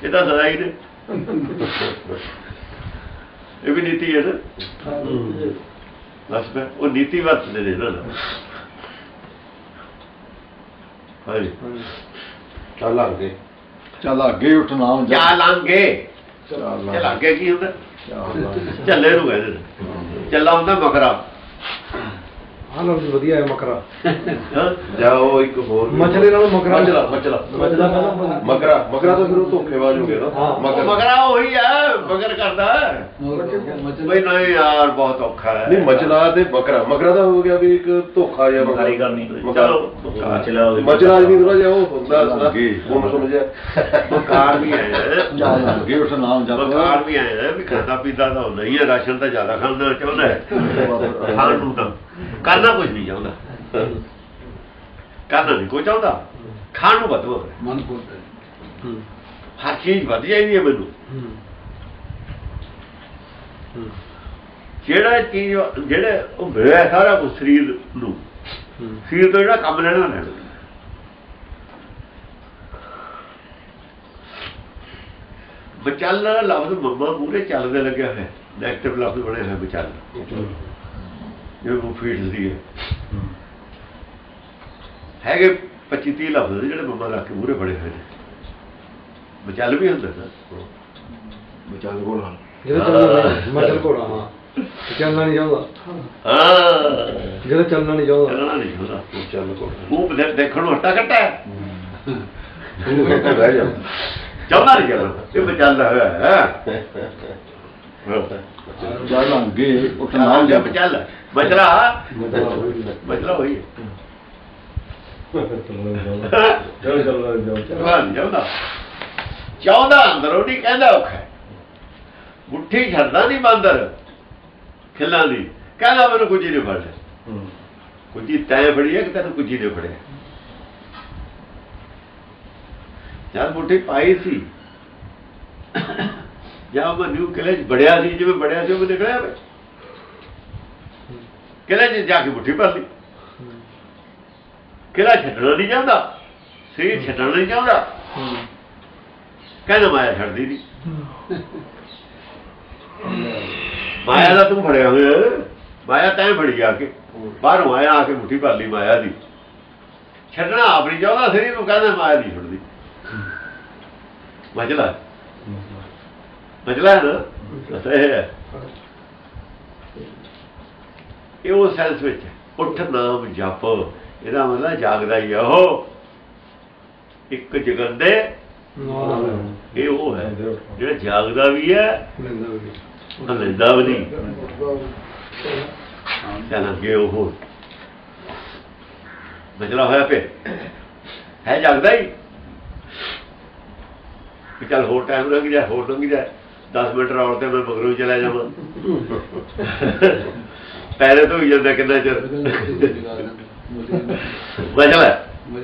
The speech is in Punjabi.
ਇਹ ਤਾਂ ਸਦਾ ਹੀ ਨੇ ਇਹ ਵੀ ਨੀਤੀ ਹੈ ਨਾ ਬਸ ਫਿਰ ਉਹ ਨੀਤੀ ਵਰਤਦੇ ਨੇ ਨਾ ਹਾਂਜੀ ਚੱਲ ਅੱਗੇ ਚੱਲ ਅੱਗੇ ਉੱਠ ਨਾਮ ਜਾ ਲਾਂਗੇ ਚੱਲ ਅੱਗੇ ਕੀ ਹੁੰਦਾ ਝੱਲੇ ਨੂੰ ਕਹਿੰਦੇ ਨੇ ਚੱਲਾ ਹੁੰਦਾ ਮਕਰਾ ਆਹ ਲਫ਼ਜ਼ ਵਧੀਆ ਹੈ ਮਕਰਾ ਜਾਓ ਇੱਕ ਹੋਰ ਮਚਲੇ ਨਾਲੋਂ ਮਕਰਾ ਮਚਲਾ ਮਚਲਾ ਪਹਿਲਾਂ ਮਕਰਾ ਮਕਰਾ ਤਾਂ ਫਿਰ ਉਹ ਧੋਖੇਬਾਜ਼ ਹੋ ਗਿਆ ਨਾ ਮਗਰਾ ਉਹੀ ਹੈ ਮਗਰ ਕਰਦਾ ਬਈ ਨਹੀਂ ਯਾਰ ਬਹੁਤ ਔਖਾ ਹੈ ਨਹੀਂ ਮਚਲਾ ਤੇ ਮਕਰਾ ਦਾ ਹੋ ਗਿਆ ਵੀ ਇੱਕ ਧੋਖਾ ਜਿਹਾ ਮਕਾਰੀ ਕਰਨੀ ਚਲੋ ਮਚਲਾ ਵੀ ਥੋੜਾ ਜਿਹਾ ਉਹ ਹੁੰਦਾ ਉਹਨੂੰ ਸਮਝਿਆ ਮਕਾਰ ਵੀ ਆਇਆ ਚੱਲ ਅੱਗੇ ਉੱਠ ਨਾਮ ਜਪ ਮਕਾਰ ਵੀ ਆਇਆ ਵੀ ਖਾਂਦਾ ਪੀਂਦਾ ਤਾਂ ਨਹੀਂ ਹੈ ਰਾਸ਼ਨ ਤਾਂ ਜ਼ਿਆਦਾ ਖਾਂਦਾ ਚਾਹੁੰਦਾ ਹੈ ਖਾਣ ਨੂੰ ਤਾਂ ਕਰਨਾ ਕੁਝ ਨਹੀਂ ਚਾਹੁੰਦਾ ਕਰਨਾ ਨਹੀਂ ਕੋਈ ਚਾਹੁੰਦਾ ਖਾਣ ਨੂੰ ਵੱਧ ਮਨ ਖੋਲਦਾ ਹਰ ਚੀਜ਼ ਵਧ ਜਾਂਦੀ ਹੈ ਮੈਨੂੰ ਜਿਹੜਾ ਚੀਜ਼ ਜਿਹੜੇ ਉਹ ਮਿਲਿਆ ਸਾਰਾ ਕੁਝ ਸਰੀਰ ਨੂੰ ਸਰੀਰ ਤੋਂ ਜਿਹੜਾ ਕੰਮ ਲੈਣਾ ਲੈਣਾ ਬਚਲ ਲਫ਼ਜ਼ ਮੰਮਾ ਮੂਹਰੇ ਚੱਲਦੇ ਲੱਗਿਆ ਹੋਇਆ ਨੈਗੇਟਿਵ ਲਫ਼ਜ਼ ਬਣੇ ਹੋਏ ਬਚਲ ਜਿਵੇਂ ਉਹ ਫੀਡਸ ਦੀ ਹੈਗੇ 25-30 ਲਫ਼ਜ਼ ਜਿਹੜੇ ਮੰਮਾ ਲਾ ਕੇ ਮੂਹਰੇ ਬਣੇ ਹੋਏ ਨੇ ਬਚਲ ਵੀ ਹੁੰਦਾ ਨਾ ਬਚਾਲ ਘੋੜਾ ਮਚਲ ਘੋੜਾ ਹਾਂ ਚੱਲਣਾ ਨਹੀਂ ਚਾਹੁੰਦਾ ਹਾਂ ਜਿਹੜਾ ਚੱਲਣਾ ਨਹੀਂ ਚਾਹੁੰਦਾ ਚੱਲਣਾ ਨਹੀਂ ਚਾਹੁੰਦਾ ਚੱਲ ਘੋੜਾ ਉਹ ਦੇਖਣ ਨੂੰ ਹੱਟਾ ਕੱਟਾ ਰਹਿ ਜਾ ਚਾਹੁੰਦਾ ਨਹੀਂ ਚੱਲਣਾ ਇਹ ਬਚਲਦਾ ਹੋਇਆ ਹੈ ਚੱਲ ਅੱਗੇ ਉੱਠ ਨਾਮ ਜਪ ਚੱਲ ਬਚਲਾ ਬਚਲਾ ਹੋਈ ਚਾਹੁੰਦਾ ਅੰਦਰੋਂ ਨਹੀਂ ਕਹਿੰਦਾ ਔਖਾ ਮੁੱਠੀ ਛੱਡਦਾ ਨਹੀਂ ਬਾਂਦਰ ਖਿੱਲਾਂ ਦੀ ਕਹਿੰਦਾ ਮੈਨੂੰ ਕੁਝ ਨਹੀਂ ਫੜ ਲਿਆ ਕੁਝ ਤੈਂ ਫੜੀ ਹੈ ਕਿ ਤੈਨੂੰ ਕੁਝ ਨਹੀਂ ਫੜਿਆ ਜਦ ਮੁੱਠੀ ਪਾਈ ਸੀ ਜਾਂ ਮੈਂ ਨਿਊ ਕਿਲੇ 'ਚ ਬੜਿਆ ਸੀ ਜਿਵੇਂ ਬੜਿਆ ਸੀ ਉਹ ਨਿਕਲਿਆ ਵੇ ਕਿਲੇ 'ਚ ਜਾ ਕੇ ਮੁੱਠੀ ਭਰ ਲਈ ਕਿਲਾ ਛੱਡਣਾ ਨਹੀਂ ਚਾਹੁੰਦਾ ਸਰੀਰ ਛੱਡਣਾ ਨਹੀਂ ਚਾਹੁੰਦਾ ਕਹਿੰਦਾ ਮਾਇਆ ਛੱਡਦੀ ਨਹੀਂ ਮਾਇਆ ਦਾ ਤੂੰ ਫੜਿਆ ਹੋਇਆ ਮਾਇਆ ਤੈਂ ਫੜੀ ਆ ਕੇ ਬਾਹਰੋਂ ਆਇਆ ਆ ਕੇ ਮੁੱਠੀ ਭਰ ਲਈ ਮਾਇਆ ਦੀ ਛੱਡਣਾ ਆਪ ਨਹੀਂ ਚਾਹੁੰਦਾ ਸਰੀਰ ਨੂੰ ਕਹਿੰਦਾ ਮਾਇਆ ਨਹੀਂ ਛੱਡਦੀ ਮਜਲਾ ਹੈ ਨਾ ਸਹੀ ਹੈ ਇਹ ਉਹ ਸੈਂਸ ਵਿੱਚ ਉੱਠ ਨਾਮ ਜਪ ਇਹਦਾ ਮਤਲਬ ਜਾਗਦਾ ਹੀ ਆ ਉਹ ਇੱਕ ਜਗੰਦੇ ਇਹ ਉਹ ਹੈ ਜਿਹੜਾ ਜਾਗਦਾ ਵੀ ਹੈ ਲੈਂਦਾ ਵੀ ਨਹੀਂ ਚੱਲ ਅੱਗੇ ਉਹ ਮਜਲਾ ਹੋਇਆ ਪਿਆ ਹੈ ਜਾਗਦਾ ਹੀ ਕਿ ਚੱਲ ਹੋਰ ਟਾਈਮ ਲੰਘ ਜਾਏ ਹੋਰ ਲੰਘ ਜਾਏ 10 ਮਿੰਟ ਰੌਲ ਤੇ ਮੈਂ ਮਗਰੋਂ ਹੀ ਚਲਾ ਜਾਵਾਂ ਪੈਰੇ ਤੋਂ ਹੀ ਜਾਂਦਾ ਕਿੰਨਾ ਚਿਰ ਮਜਲਾ